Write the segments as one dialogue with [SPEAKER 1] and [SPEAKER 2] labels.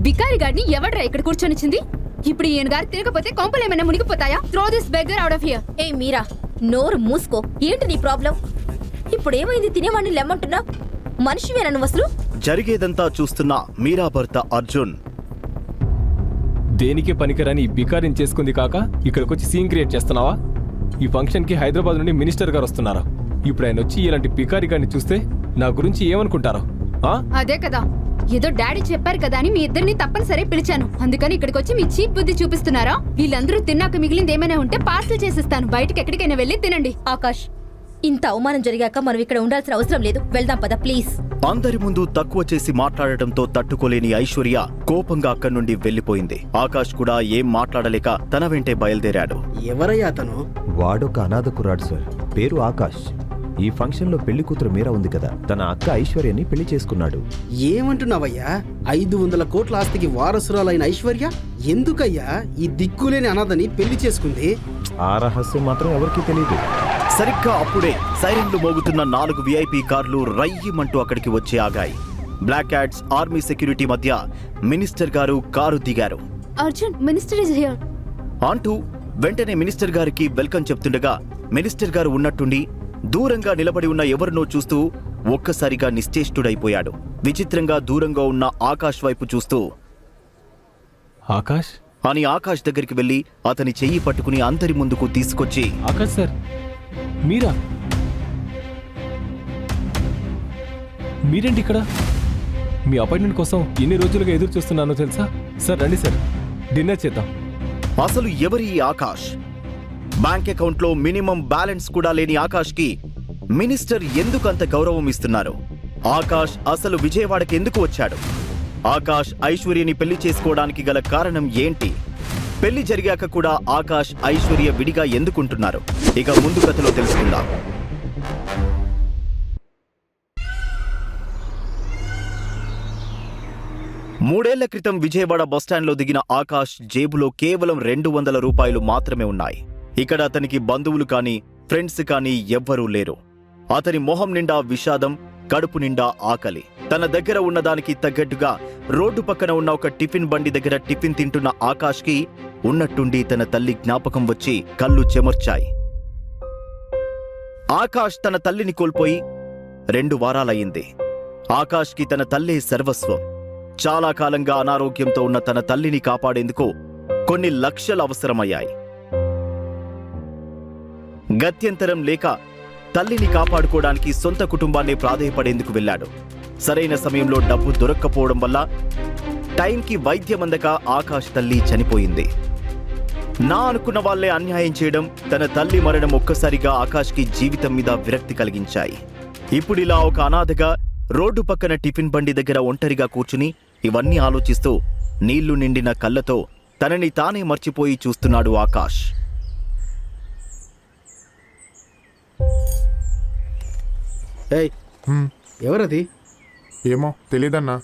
[SPEAKER 1] బికారి గారిని ఎవడ్రా ఇక్కడ కూర్చొనిచ్చింది? ఇప్పుడు ఈయన గారు తిరగపోతే కొంపలు ఏమైనా మునిగిపోతాయా? Throw this beggar out of here.
[SPEAKER 2] ఏ మీరా, నోరు మూసుకో. ఏంటి నీ ప్రాబ్లం? ఇప్పుడు ఏమైంది? తినేవాడిని లెమ్మంటున్నా? మనిషివేనా నువ్వు అసలు?
[SPEAKER 3] జరిగేదంతా చూస్తున్న మీరా భర్త అర్జున్
[SPEAKER 4] దేనికి పనికిరాని ఈ బికారిని చేసుకుంది కాక ఇక్కడికొచ్చి సీన్ క్రియేట్ చేస్తున్నావా? ఈ ఫంక్షన్కి హైదరాబాద్ నుండి మినిస్టర్ గారు వస్తున్నారు. ఇప్పుడు ఆయన వచ్చి ఇలాంటి బికారి గారిని చూస్తే నా గురించి ఏమనుకుంటారో?
[SPEAKER 1] అదే కదా, ఏదో డాడీ చెప్పారు కదా అని మీ ఇద్దరిని తప్పనిసరి పిలిచాను. అందుకని ఇక్కడికి వచ్చి మీ చీప్ బుద్ధి చూపిస్తున్నారా? వీళ్ళందరూ తిన్నాక మిగిలింది ఏమైనా ఉంటే పార్సల్ చేసిస్తాను. బయటకి ఎక్కడికైనా వెళ్ళి తినండి.
[SPEAKER 2] ఆకాష్, ఇంత అవమానం జరిగాక మనం ఇక్కడ ఉండాల్సిన అవసరం లేదు. వెళ్దాం పద ప్లీజ్.
[SPEAKER 3] అందరి ముందు తక్కువ చేసి మాట్లాడటంతో తట్టుకోలేని ఐశ్వర్య కోపంగా అక్కడి నుండి వెళ్లిపోయింది. ఆకాష్ కూడా ఏం మాట్లాడలేక తన వెంటే బయలుదేరాడు.
[SPEAKER 5] ఎవరయ్యా అతను?
[SPEAKER 6] వాడొక అనాథ కుర్రాడు సార్, పేరు ఆకాష్. ఈ ఫంక్షన్ లో పెళ్లి కూతురు మీరా ఉంది కదా, తన అక్క ఐశ్వర్యని పెళ్లి చేసుకున్నాడు.
[SPEAKER 5] ఏమంటున్నావయ్యా? 500 కోట్ల ఆస్తికి వారసురాలైన ఐశ్వర్య ఎందుకయ్యా ఈ దిక్కులేని అనాథని పెళ్లి చేసుకుంది?
[SPEAKER 6] ఆ రహస్యం మాత్రం ఎవరికీ తెలియదు.
[SPEAKER 3] సరిగ్గా అప్పుడే సైరన్లు మోగుతున్న 4 VIP కార్లు రయ్యమంటూ అక్కడికి వచ్చి ఆగాయి. బ్లాక్ క్యాట్స్, ఆర్మీ సెక్యూరిటీ మధ్య మినిస్టర్ గారు కారు దిగారు.
[SPEAKER 1] అర్జున్, మినిస్టర్ ఇస్ హియర్
[SPEAKER 3] అంటూ వెంటనే మినిస్టర్ గారికి వెల్కమ్ చెప్తుండగా మినిస్టర్ గారు ఉన్నట్టుండి దూరంగా నిలబడి ఉన్న ఎవరినో చూస్తూ ఒక్కసారిగా నిశ్చేష్టుడైపోయాడు. విచిత్రంగా దూరంగా ఉన్న ఆకాష్ వైపు చూస్తూ
[SPEAKER 4] ఆకాష్
[SPEAKER 3] అని ఆకాష్ దగ్గరికి వెళ్లి అతని చెయ్యి పట్టుకుని అందరి ముందుకు తీసుకొచ్చి,
[SPEAKER 4] ఆకాష్ సార్, మీరా? మీరేంటి ఇక్కడ? మీ అపాయింట్మెంట్ కోసం ఎన్ని రోజులుగా ఎదురు చూస్తున్నానో తెలుసా? సార్ రండి సార్, డిన్నర్ చేద్దాం.
[SPEAKER 3] అసలు ఎవరి ఈ ఆకాష్? బ్యాంక్ అకౌంట్ లో మినిమం బ్యాలెన్స్ కూడా లేని ఆకాష్ కి మినిస్టర్ ఎందుకు అంత గౌరవం ఇస్తున్నారు? ఆకాష్ అసలు విజయవాడకి ఎందుకు వచ్చాడు? ఆకాష్ ఐశ్వర్యని పెళ్లి చేసుకోవడానికి గల కారణం ఏంటి? పెళ్లి జరిగాక కూడా ఆకాష్ ఐశ్వర్య విడిగా ఎందుకుంటున్నారు? ఇక ముందు కథలో తెలుసుకుందాం. మూడేళ్ల క్రితం విజయవాడ బస్టాండ్లో దిగిన ఆకాష్ జేబులో కేవలం 200 రూపాయలు మాత్రమే ఉన్నాయి. ఇక్కడ అతనికి బంధువులు కానీ ఫ్రెండ్స్ కానీ ఎవ్వరూ లేరు. అతని మొహం నిండా విషాదం, కడుపు నిండా ఆకలి. తన దగ్గర ఉన్నదానికి తగ్గట్టుగా రోడ్డు పక్కన ఉన్న ఒక టిఫిన్ బండి దగ్గర టిఫిన్ తింటున్న ఆకాష్కి ఉన్నట్టుండి తన తల్లి జ్ఞాపకం వచ్చి కళ్ళు చెమర్చాయి. ఆకాష్ తన తల్లిని కోల్పోయి 2 వారాలయ్యింది. ఆకాష్కి తన తల్లే సర్వస్వం. చాలా కాలంగా అనారోగ్యంతో ఉన్న తన తల్లిని కాపాడేందుకు కొన్ని లక్షలు అవసరమయ్యాయి. గత్యంతరం లేక తల్లిని కాపాడుకోవడానికి సొంత కుటుంబాన్ని ప్రాధేయపడేందుకు వెళ్లాడు. సరైన సమయంలో డబ్బు దొరక్కపోవడం వల్ల టైంకి వైద్యం అందక ఆకాష్ తల్లి చనిపోయింది. నా అనుకున్న వాళ్లే అన్యాయం చేయడం, తన తల్లి మరణం ఒక్కసారిగా ఆకాష్కి జీవితం మీద విరక్తి కలిగించాయి. ఇప్పుడిలా ఒక అనాథగా రోడ్డు పక్కన టిఫిన్ బండి దగ్గర ఒంటరిగా కూర్చుని ఇవన్నీ ఆలోచిస్తూ నీళ్లు నిండిన కళ్ళతో తనని తానే మర్చిపోయి చూస్తున్నాడు ఆకాష్.
[SPEAKER 5] ఏయ్, ఎవరది?
[SPEAKER 7] ఏమో తెలీదన్నా.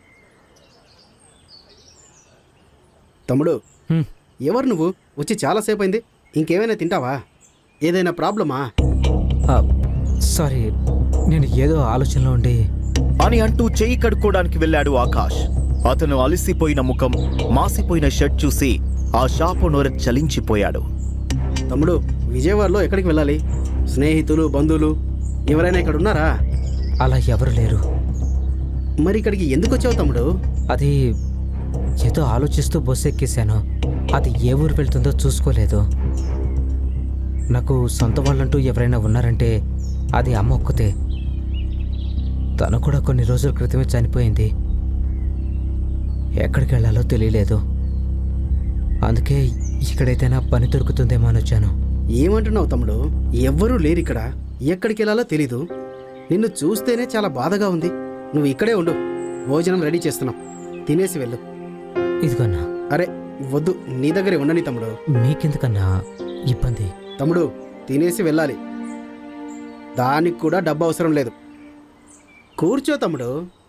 [SPEAKER 5] తమ్ముడు, ఎవరు నువ్వు? వచ్చి చాలాసేపు అయింది. ఇంకేమైనా తింటావా? ఏదైనా ప్రాబ్లమా?
[SPEAKER 8] సారీ, నేను ఏదో ఆలోచనలో ఉండి
[SPEAKER 3] అని అంటూ చెయ్యి కడుక్కోవడానికి వెళ్ళాడు ఆకాష్. అతను అలసిపోయిన ముఖం, మాసిపోయిన షర్ట్ చూసి ఆ షాపు నోర చలించిపోయాడు.
[SPEAKER 5] తమ్ముడు, విజయవాడలో ఎక్కడికి వెళ్ళాలి? స్నేహితులు, బంధువులు ఎవరైనా ఇక్కడ ఉన్నారా?
[SPEAKER 8] అలా ఎవరు లేరు.
[SPEAKER 5] మరి ఇక్కడికి ఎందుకు వచ్చావు తమ్ముడు?
[SPEAKER 8] అది ఏదో ఆలోచిస్తూ బస్సు ఎక్కేశాను. అది ఏ ఊరు వెళ్తుందో చూసుకోలేదు. నాకు సొంత వాళ్ళంటూ ఎవరైనా ఉన్నారంటే అది అమ్మ ఒక్కతే. తను కూడా కొన్ని రోజుల క్రితమే చనిపోయింది. ఎక్కడికి వెళ్ళాలో తెలియలేదు. అందుకే ఇక్కడైతేనా పని దొరుకుతుందేమో అని వచ్చాను.
[SPEAKER 5] ఏమంటున్నావు తమ్ముడు? ఎవ్వరూ లేరు ఇక్కడ. ఎక్కడికి వెళ్ళాలో తెలీదు. నిన్ను చూస్తేనే చాలా బాధగా ఉంది. నువ్వు ఇక్కడే ఉండు, భోజనం రెడీ చేస్తున్నాం, తినేసి వెళ్ళు.
[SPEAKER 8] ఇదిగన్నా.
[SPEAKER 5] అరే వద్దు, నీ దగ్గరే ఉండని తమ్ముడు.
[SPEAKER 8] మీకెందుకన్నా ఇబ్బంది?
[SPEAKER 5] తమ్ముడు, తినేసి వెళ్ళాలి. దానికి కూడా డబ్బు అవసరం లేదు. కూర్చో తమ్ముడు.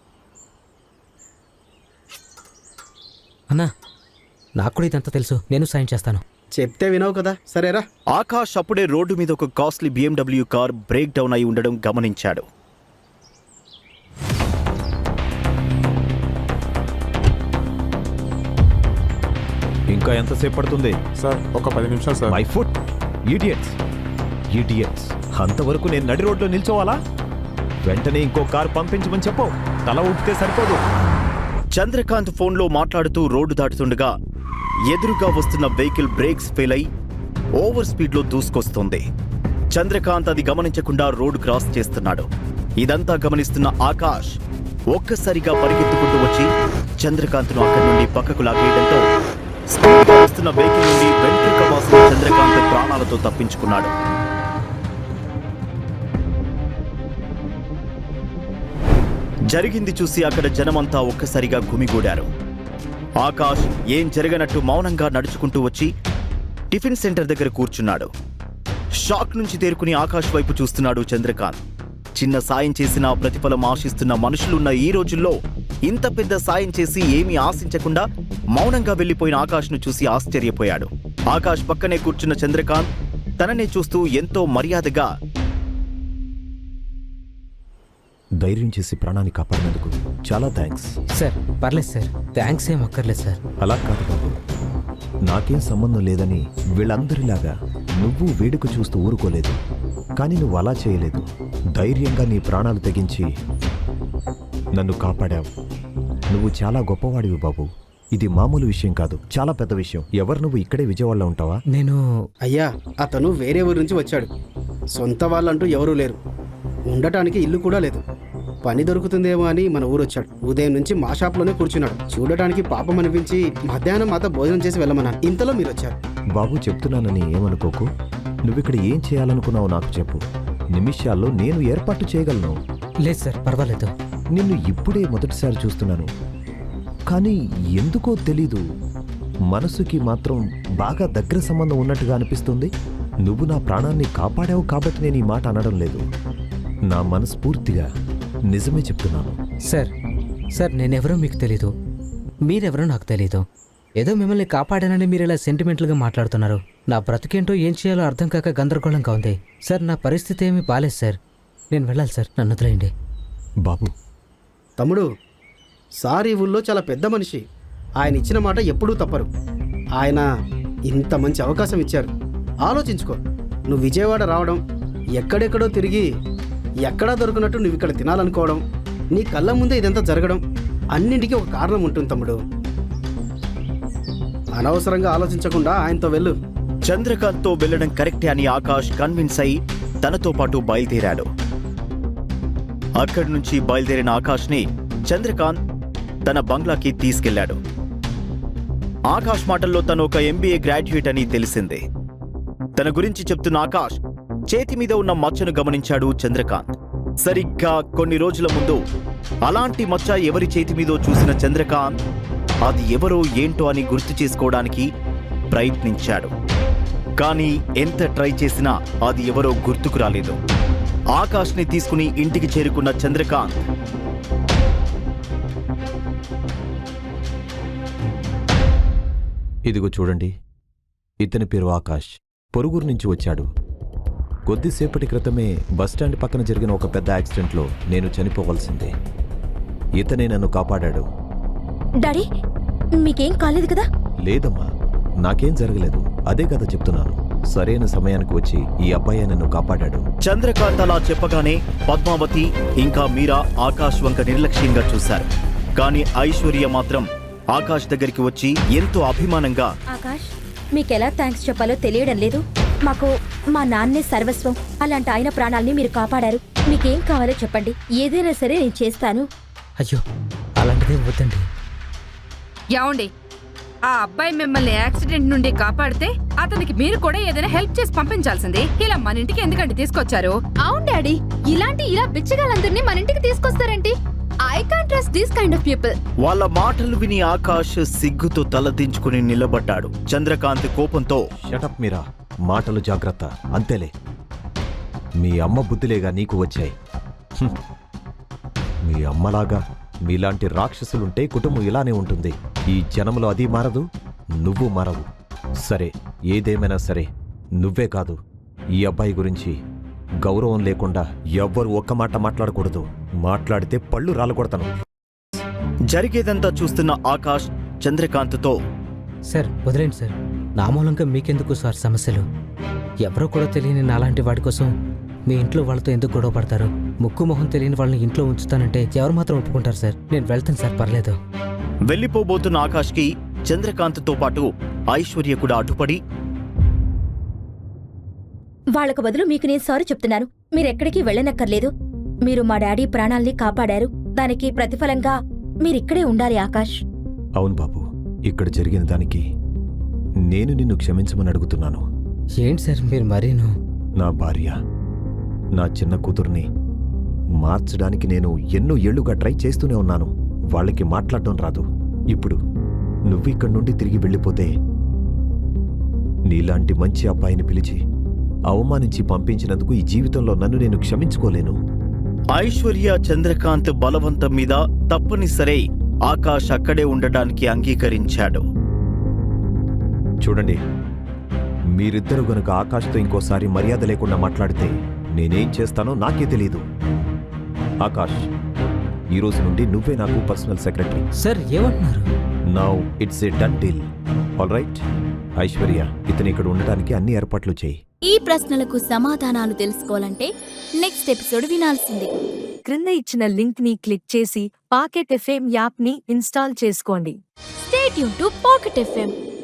[SPEAKER 8] అన్నా, నాకు కూడా ఇదంతా తెలుసు. నేను సాయం చేస్తాను.
[SPEAKER 5] చెప్తే వినవు కదా, సరేరా.
[SPEAKER 3] ఆకాష్ అప్పుడే రోడ్డు మీద ఒక costly BMW car break down అయి ఉండడం గమనించాడు.
[SPEAKER 6] ఇంకా ఎంతసేపు పడుతుంది?
[SPEAKER 7] సార్ ఒక 10 నిమిషాలు sir.
[SPEAKER 6] My foot. Idiots idiots అంతవరకు నేను నడి రోడ్లో నిల్చోవాలా? వెంటనే ఇంకో కారు పంపించమని చెప్పు. తల ఊపితే సరిపోదు.
[SPEAKER 3] చంద్రకాంత్ ఫోన్లో మాట్లాడుతూ రోడ్డు దాటుతుండగా ఎదురుగా వస్తున్న వెహికల్ బ్రేక్స్ ఫెయిల్ అయి ఓవర్ స్పీడ్లో దూసుకొస్తుంది. చంద్రకాంత్ అది గమనించకుండా రోడ్డు క్రాస్ చేస్తున్నాడు. ఇదంతా గమనిస్తున్న ఆకాష్ ఒక్కసారిగా పరిగెత్తుకుంటూ వచ్చి చంద్రకాంత్ను అక్కడి నుండి పక్కకు లాగేయడంతో స్పీడ్గా వస్తున్న వెహికల్ నుండి వెంట్రుక వాసిన చంద్రకాంత్ ప్రాణాలతో తప్పించుకున్నాడు. జరిగింది చూసి అక్కడ జనమంతా ఒక్కసారిగా గుమిగూడారు. ఆకాష్ ఏం జరగనట్టు మౌనంగా నడుచుకుంటూ వచ్చి టిఫిన్ సెంటర్ దగ్గర కూర్చున్నాడు. షాక్ నుంచి తేరుకుని ఆకాష్ వైపు చూస్తున్నాడు చంద్రకాంత్. చిన్న సాయం చేసినా ప్రతిఫలం ఆశిస్తున్న మనుషులున్న ఈ రోజుల్లో ఇంత పెద్ద సాయం చేసి ఏమీ ఆశించకుండా మౌనంగా వెళ్లిపోయిన ఆకాష్ను చూసి ఆశ్చర్యపోయాడు. ఆకాష్ పక్కనే కూర్చున్న చంద్రకాంత్ తననే చూస్తూ ఎంతో మర్యాదగా,
[SPEAKER 6] ధైర్యం చేసి ప్రాణాన్ని కాపాడినందుకు చాలా థ్యాంక్స్.
[SPEAKER 8] సార్ పర్లేదు సార్, థ్యాంక్స్ ఏం అక్కర్లేదు సార్.
[SPEAKER 6] అలా కాదు బాబు, నాకేం సంబంధం లేదని వీళ్ళందరిలాగా నువ్వు వేడుక చూస్తూ ఊరుకోలేదు. కానీ నువ్వు అలా చేయలేదు. ధైర్యంగా నీ ప్రాణాలు తెగించి నన్ను కాపాడావు. నువ్వు చాలా గొప్పవాడివి బాబు. ఇది మామూలు విషయం కాదు, చాలా పెద్ద విషయం. ఎవరు నువ్వు ఇక్కడే విజయవాడలో ఉంటావా?
[SPEAKER 8] నేను
[SPEAKER 5] అయ్యా, అతను వేరే ఊరి నుంచి వచ్చాడు. సొంత వాళ్ళంటూ ఎవరూ లేరు. ఉండటానికి ఇల్లు కూడా లేదు. పని దొరుకుతుందేమో అని మన ఊరు వచ్చాడు. ఉదయం నుంచి మా షాప్లోనే కూర్చున్నాడు. చూడటానికి పాపం అనిపించి మధ్యాహ్నం మాతో భోజనం చేసి వెళ్ళమన్నాను. ఇంతలో మీరు వచ్చారు.
[SPEAKER 6] బాబు చెప్తున్నానని ఏమనుకోకు. నువ్విక్కడ ఏం చేయాలనుకున్నావు నాకు చెప్పు. నిమిషాల్లో నేను ఏర్పాటు చేయగలను.
[SPEAKER 8] లేదు సార్, పర్వాలేదు.
[SPEAKER 6] నిన్ను ఇప్పుడే మొదటిసారి చూస్తున్నాను. కానీ ఎందుకో తెలీదు, మనసుకి మాత్రం బాగా దగ్గర సంబంధం ఉన్నట్టుగా అనిపిస్తుంది. నువ్వు నా ప్రాణాన్ని కాపాడావు కాబట్టి నేను ఈ మాట అనడం లేదు. నా మనస్ఫూర్తిగా నిజమే చెప్తున్నాను.
[SPEAKER 8] సార్ సార్ నేనెవరో మీకు తెలీదు, మీరెవరో నాకు తెలీదు. ఏదో మిమ్మల్ని కాపాడానని మీరు ఇలా సెంటిమెంటల్గా మాట్లాడుతున్నారు. నా బ్రతికేంటో ఏం చేయాలో అర్థం కాక గందరగోళంగా ఉంది. సార్ నా పరిస్థితి ఏమీ బాలేదు సార్. నేను వెళ్ళాలి సార్, నన్ను వదిలేయండి.
[SPEAKER 6] బాబు,
[SPEAKER 5] తమ్ముడు, సార్ ఈ ఊళ్ళో చాలా పెద్ద మనిషి. ఆయన ఇచ్చిన మాట ఎప్పుడూ తప్పరు. ఆయన ఇంత మంచి అవకాశం ఇచ్చారు. ఆలోచించుకో. నువ్వు విజయవాడ రావడం, ఎక్కడెక్కడో తిరిగి ఎక్కడా దొరికినట్టు నువ్వు ఇక్కడ తినాలనుకోవడం, నీ కళ్ళ ముందే ఇదంతా జరగడం, అన్నింటికీ ఒక కారణం ఉంటుంది తమ్ముడు. అనవసరంగా ఆలోచించకుండా ఆయనతో వెళ్ళు.
[SPEAKER 3] చంద్రకాంత్తో వెళ్లడం కరెక్టే అని ఆకాష్ కన్విన్స్ అయి తనతో పాటు బయలుదేరాడు. అక్కడి నుంచి బయలుదేరిన ఆకాష్ని చంద్రకాంత్ తన బంగ్లాకి తీసుకెళ్లాడు. ఆకాష్ మాటల్లో తను ఒక MBA గ్రాడ్యుయేట్ అని తెలిసింది. తన గురించి చెప్తున్న ఆకాష్ చేతి మీద ఉన్న మచ్చను గమనించాడు చంద్రకాంత్. సరిగ్గా కొన్ని రోజుల ముందు అలాంటి మచ్చ ఎవరి చేతి మీదో చూసిన చంద్రకాంత్ అది ఎవరో ఏంటో అని గుర్తు చేసుకోవడానికి ప్రయత్నించాడు. కానీ ఎంత ట్రై చేసినా అది ఎవరో గుర్తుకు రాలేదు. ఆకాష్ని తీసుకుని ఇంటికి చేరుకున్న చంద్రకాంత్
[SPEAKER 6] ఇదిగో చూడండి, ఇతని పేరు ఆకాష్. పొరుగురు నుంచి వచ్చాడు. కొద్దిసేపటి క్రితమే బస్టాండ్ పక్కన జరిగిన ఒక పెద్ద యాక్సిడెంట్లో నేను చనిపోవలసిందే. ఇతనే నన్ను కాపాడాడు.
[SPEAKER 2] డాడీ మీకేం కాలేదు కదా?
[SPEAKER 6] లేదమ్మా, నాకేం జరగలేదు. అదే కదా చెప్తున్నాను. సరైన సమయానికి వచ్చి ఈ అబ్బాయి నన్ను కాపాడాడు.
[SPEAKER 3] చంద్రకాంత్ అలా చెప్పగానే పద్మావతి ఇంకా మీరా ఆకాష్ వంక నిర్లక్ష్యంగా చూశారు. కానీ ఐశ్వర్య మాత్రం ఆకాష్ దగ్గరికి వచ్చి ఎంతో అభిమానంగా,
[SPEAKER 2] ఆకాష్ మీకెలా థ్యాంక్స్ చెప్పాలో తెలియడం లేదు. మాకు మా నాన్నే సర్వస్వం. అలాంటి ఆయన ప్రాణాల్ని మీరు కాపాడారు. మీకేం కావాలో చెప్పండి, ఏదైనా సరే నేను చేస్తాను.
[SPEAKER 8] అయ్యో అలాంటిదేం వద్దండి.
[SPEAKER 9] యాండి, ఆ అబ్బాయి మిమ్మల్ని యాక్సిడెంట్ నుండి కాపాడితే అతనికి మీరు కూడా ఏదైనా హెల్ప్ చేసి పంపించాల్సింది. ఇలా మన ఇంటికి ఎందుకంటే తీసుకొచ్చారు?
[SPEAKER 1] అవును డాడీ, ఇలా బిచ్చగాళ్ళందరినీ మన ఇంటికి తీసుకొస్తారేంటి? I can't trust this kind of people.
[SPEAKER 3] వాళ్ళ మాటలు విని ఆకాష్ సిగ్గుతో తలదించుకుని నిలబడ్డాడు. చంద్రకాంత్ కోపంతో,
[SPEAKER 6] షటప్ మీరా, మాటలు జాగ్రత్త. అంతేలే, మీ అమ్మ బుద్ధిలేగా నీకు వచ్చాయి. హ్మ్. మీ అమ్మలాగా మీలాంటి రాక్షసులుంటే కుటుంబం ఇలానే ఉంటుంది. ఈ జనంలో అది మారదు, నువ్వు మారవు. సరే, ఏదేమైనా సరే, నువ్వే కాదు, ఈ అబ్బాయి గురించి గౌరవం లేకుండా ఎవ్వరు ఒక్క మాట మాట్లాడకూడదు. మాట్లాడితే పళ్ళు రాలగొడతాను.
[SPEAKER 3] జరిగేదంతా చూస్తున్న ఆకాష్ చంద్రకాంత్తో,
[SPEAKER 8] సార్ వదిలేండి సార్. నా మూలంగా మీకెందుకు సార్ సమస్యలు? ఎవరో కూడా తెలియని నాలాంటి వాడి కోసం మీ ఇంట్లో వాళ్ళతో ఎందుకు గొడవ పడతారు? ముక్కు మొహం తెలియని వాళ్ళని ఇంట్లో ఉంచుతానంటే ఎవరు మాత్రం ఒప్పుకుంటారు సార్? నేను వెళ్తాను సార్, పర్లేదు.
[SPEAKER 3] వెళ్ళిపోబోతున్న ఆకాష్కి చంద్రకాంత్తో పాటు ఐశ్వర్య కూడా అడ్డుపడి
[SPEAKER 2] వాళ్ళకు బదులు మీకు నేను సారీ చెప్తున్నాను. మీరెక్కడికి వెళ్ళనక్కర్లేదు. మీరు మా డాడీ ప్రాణాల్ని కాపాడారు. దానికి ప్రతిఫలంగా మీరిక్కడే ఉండాలి ఆకాష్.
[SPEAKER 6] అవును బాబు, ఇక్కడ జరిగిన దానికి నేను నిన్ను క్షమించమని అడుగుతున్నాను.
[SPEAKER 8] ఏంటి సార్ మీరు మరీను?
[SPEAKER 6] నా భార్య, నా చిన్న కూతుర్ని మార్చడానికి నేను ఎన్నో ఏళ్లుగా ట్రై చేస్తూనే ఉన్నాను. వాళ్ళకి మాట్లాడటం రాదు. ఇప్పుడు నువ్విక్కడి నుండి తిరిగి వెళ్ళిపోతే నీలాంటి మంచి అబ్బాయిని పిలిచి అవమానించి పంపించినందుకు ఈ జీవితంలో నన్ను నేను క్షమించుకోలేను.
[SPEAKER 3] ఐశ్వర్య చంద్రకాంత్ బలవంతం మీద తప్పనిసరి ఆకాష్ అక్కడే ఉండడానికి అంగీకరించాడు.
[SPEAKER 6] చూడండి, మీరిద్దరు గనుక ఆకాష్తో ఇంకోసారి మర్యాద లేకుండా మాట్లాడితే నేనేం చేస్తానో నాకే తెలీదు. ఆకాష్, ఈ రోజు నుండి నువ్వే నాకు పర్సనల్ సెక్రటరీ.
[SPEAKER 8] సార్ ఏమంటున్నారు?
[SPEAKER 6] Now it's a done deal. All right Aishwarya, ఇతను ఇక్కడ ఉండడానికి అన్ని ఏర్పాట్లు చేయి.
[SPEAKER 10] ఈ ప్రశ్నలకు సమాధానాలు తెలుసుకోవాలంటే నెక్స్ట్ ఎపిసోడ్ వినాల్సిందే.
[SPEAKER 11] క్రింద ఇచ్చిన లింక్ ని క్లిక్ చేసి పాకెట్ ఎఫ్ఎం యాప్ ని ఇన్స్టాల్ చేసుకోండి.
[SPEAKER 10] Stay tune to pocket FM.